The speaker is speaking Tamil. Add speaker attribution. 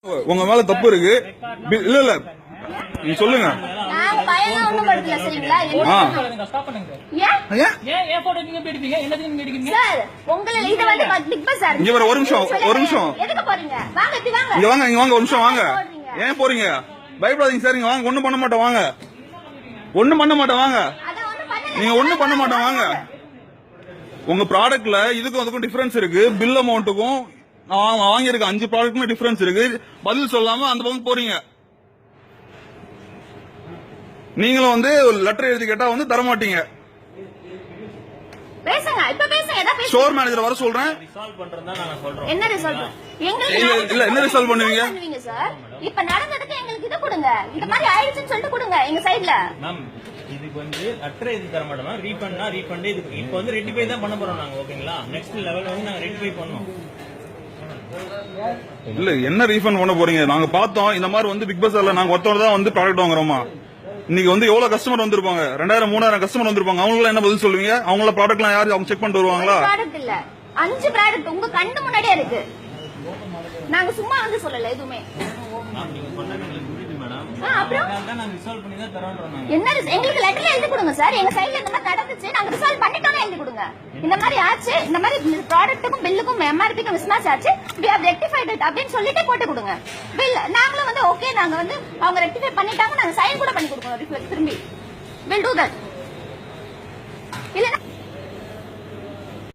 Speaker 1: உங்க மேல தப்பு இருக்கு. இல்ல இல்ல நீங்க சொல்லுங்க. ஒரு நிமிஷம் இங்க வாங்க, இங்க வாங்க, ஒரு நிமிஷம் வாங்க. ஏன் போறீங்க? பயப்படாதீங்க சார், இங்க வாங்க. ஒண்ணும் பண்ண மாட்டோம் வாங்க. ஒண்ணும் பண்ண மாட்டோம் வாங்க. நீங்க ஒண்ணும் பண்ண மாட்டோம் வாங்க. உங்க ப்ராடக்ட்ல இதுக்கும் அதுக்கும் டிஃபரன்ஸ் இருக்கு. பில் அமௌண்ட்டுக்கும் வாங்கியிருக்க 5 ப்ராடக்ட்மே டிஃபரன்ஸ் இருக்கு. பதில் சொல்லாம அந்த பக்கம் போறீங்க. நீங்களும் வந்து ஒரு லெட்டர் எழுதி கேட்டா வந்து தர மாட்டீங்க. ஸ்டோர் மேனேஜர் வர சொல்றேன்.
Speaker 2: என்ன ரிசால்வ்?
Speaker 1: என்ன ரிசால்வ் பண்ணுவீங்க?
Speaker 2: இப்ப நடந்ததுக்கு எங்களுக்கு இது கொடுங்க. இந்த மாதிரி ஆயிடுச்சுன்னு சொல்லிட்டு கொடுங்க எங்க சைடுல.
Speaker 3: மேம் இதுக்கு வந்து லெட்டர் எழுதி தர மாட்டோம். ரீஃபண்ட்னா ரீஃபண்ட். இது இப்போ வந்து ரெட்டிஃபை தான் பண்ண போறோம் நாங்க. ஓகேங்களா? நெக்ஸ்ட் லெவல் வந்து நாங்க ரெட்டிஃபை பண்ணுவோம்.
Speaker 1: இல்ல என்ன ரீஃபண்ட் பண்ண போறீங்க? நாங்க பார்த்தோம் இந்த மாதிரி வந்து பிக் பஸார்ல நாங்க ஒருத்தவங்க தான் வந்து ப்ராடக்ட் வாங்குறோமா. இன்னைக்கு வந்து எவ்வளவு கஸ்டமர் வந்திருப்பாங்க? 2000 3000 கஸ்டமர் வந்திருப்பாங்க. அவங்களுக்கு என்ன பதில் சொல்லுவீங்க? அவங்கள ப்ராடக்ட்லாம் யாரு அவங்க செக் பண்ணிட்டு வருவாங்களா?
Speaker 2: ப்ராடக்ட் இல்ல 5 ப்ராடக்ட் உங்க கண்ணு முன்னாடியே இருக்கு. நாங்க சும்மா வந்து சொல்லல எதுவுமே. என்ன எங்களுக்கு லெட்டர்ல எழுதி கொடுங்க சார். எங்க சைடுல இந்த மாதிரி நடந்துச்சு, நாங்க ரிசால்வ் பண்ணிட்டோம்னு எழுதி கொடுங்க. இந்த மாதிரி ஆச்சு, இந்த மாதிரி ப்ராடக்ட்டுக்கும் பில்லுக்கும் எம்ஆர்பிக்கும் மிஸ்மேட்ச் ஆச்சு, we have rectified it அப்படின்னு சொல்லிட்டு போட்டு கொடுங்க. பில் நாங்களும் வந்து ஓகே, நாங்க வந்து அவங்க ரெக்டிஃபை பண்ணிட்டாங்க, நாங்க சைன் கூட பண்ணி கொடுக்கணும் திரும்பி. will do that. இல்ல